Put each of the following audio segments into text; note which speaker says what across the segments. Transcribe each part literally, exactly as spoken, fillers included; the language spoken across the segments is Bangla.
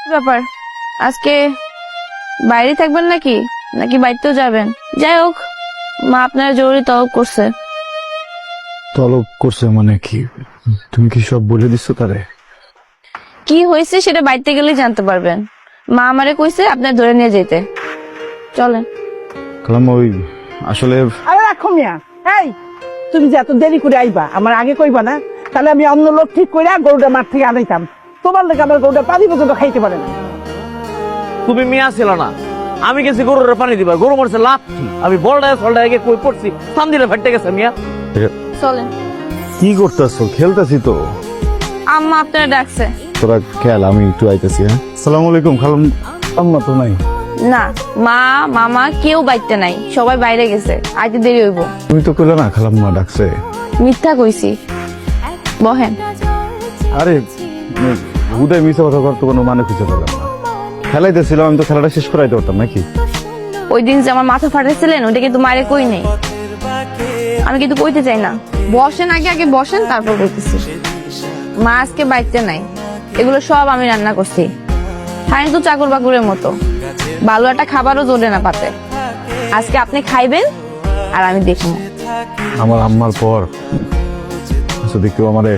Speaker 1: ব্যাপার আজকে বাইরে থাকবেন নাকি নাকি বাড়িতেও যাবেন? যাই হোক, মা আপনারা জরুরি তলব করছে।
Speaker 2: তলব করছে মানে কি? তুমি কি সব বলে দিচ্ছ তারে?
Speaker 1: কি হয়েছে সেটা বাড়িতে গেলেই জানতে পারবেন। মা আমারে কইছে আপনার ধরে নিয়ে যেতে। চলেন।
Speaker 2: কালাম ওই আসলে
Speaker 3: আরে রাখো মিয়া, এই তুমি যে এত দেরি করে আইবা আমার আগে কইবা না? তাহলে আমি অন্য লোক ঠিক করে গরুটা মাঠ থেকে আনাইতাম। তোমার লোক আমার গরুটা পানি পর্যন্ত খাইতে পারে না।
Speaker 4: তুমি মিয়া ছিল না, আমি গেছি গরুর পানি দিবা, গরু মরছে লাথি, আমি বলডায় সলডায় গিয়ে কই পড়ছি, সাম দিলে ফেটে গেছে মিয়া।
Speaker 1: চলেন।
Speaker 2: কি করতেছো? খেলতেছি তো।
Speaker 1: আম্মা আপনারা ডাকছে।
Speaker 2: তোরা খেল, আমি একটু আইতেছি। হ্যাঁ, আসসালামু আলাইকুম। খালাম আম্মা তো নাই।
Speaker 1: না, মা মামা কেউ বাইতে নাই, সবাই বাইরে গেছে, আইতে দেরি হইব।
Speaker 2: তুমি তো কইলা না খালাম্মা ডাকছে।
Speaker 1: মিথ্যা কইছি। বহেন।
Speaker 2: আরে হুদায় মিশা কথা করতে কোনো মানে খুঁজে পেলাম না। খেলাইতেছিলাম, আমি তো খেলাটা শেষ করাইতে পারতাম নাকি?
Speaker 1: ওই দিন যে আমার মাথা ফাটাইছিলেন ওইটা কিন্তু মায়ের কই নেই। আমি কিন্তু কইতে চাই না। বসেন, আগে আগে বসেন, তারপর কইতেছি। মা আজকে বাইতে নাই, এগুলো সব আমি রান্না করছি। খাই তো চাকর বাকুরের মতো, ভালো একটা খাবারও জোরে না পাতে। আজকে আপনি খাইবেন আর আমি দেখবো।
Speaker 2: আমার আম্মার পর যদি কেউ আমারে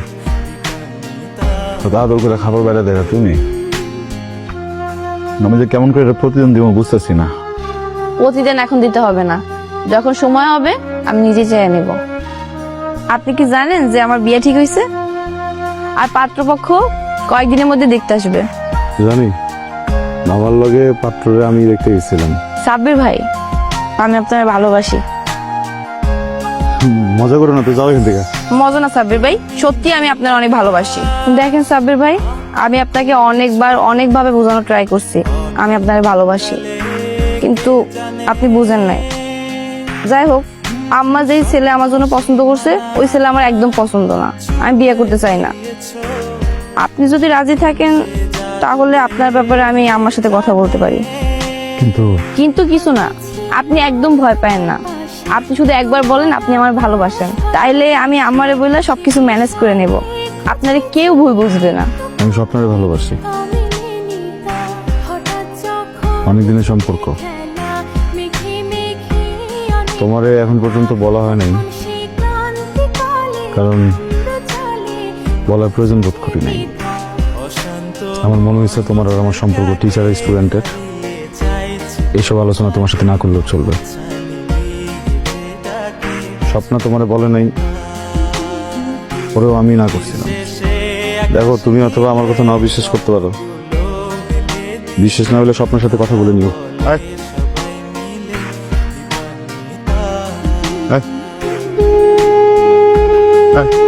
Speaker 2: আদর করে খাবার বেড়া দেয় তুমি, আমি যে কেমন করে এটা প্রতিদিন দিব বুঝতেছি না।
Speaker 1: প্রতিদিন এখন দিতে হবে না, যখন সময় হবে আমি নিজে চেয়ে নেব। আপনি কি জানেন যে আমার বিয়ে ঠিক হয়েছে? আর পাত্রপক্ষ কয়েকদিনের মধ্যে দেখতে আসবে।
Speaker 2: জানি, আমার লগে পাত্ররে আমি দেখতে গেছিলাম।
Speaker 1: সাব্বির ভাই, আমি আপনার ভালোবাসি।
Speaker 2: মজা করো না তো, যাও এখান থেকে।
Speaker 1: মজা না সাব্বির ভাই, সত্যি আমি আপনার অনেক ভালোবাসি। দেখেন সাব্বির ভাই, আমি আপনাকে অনেকবার অনেকভাবে বোঝানোর ট্রাই করছি আমি আপনার ভালোবাসি, কিন্তু আপনি বুঝেন নাই। যাই হোক, আম্মা যেই ছেলে আমার জন্য পছন্দ করছে ওই ছেলে আমার একদম পছন্দ না, আমি বিয়ে করতে চাই না। আপনি যদি রাজি থাকেন তাহলে আপনার ব্যাপারে আমি আম্মার সাথে কথা বলতে পারি।
Speaker 2: কিন্তু
Speaker 1: কিন্তু কিছু না, আপনি একদম ভয় পায়েন না। আপনি শুধু একবার বলেন আপনি আমার ভালোবাসেন, তাইলে আমি আমারে বলে সবকিছু ম্যানেজ করে নেব। আপনারে কেউ ভুল বুঝবে না।
Speaker 2: আমি স্বপ্নরে ভালোবাসি, অনেকদিনের সম্পর্ক। তোমারে এখন পর্যন্ত বলা হয় নাই, কারণ বলার প্রয়োজন বোধ করি নাই। আমার মনে হয়েছে তোমার আর আমার সম্পর্ক টিচার স্টুডেন্টের, এইসব আলোচনা তোমার সাথে না করলেও চলবে। স্বপ্ন তোমারে বলে নাই, ওরেও আমি না করছিলাম। দেখো, তুমি অথবা আমার কথা না বিশ্বাস করতে পারো, বিশ্বাস না হলে স্বপ্নের সাথে কথা বলে নিও। আয় আয় আয়।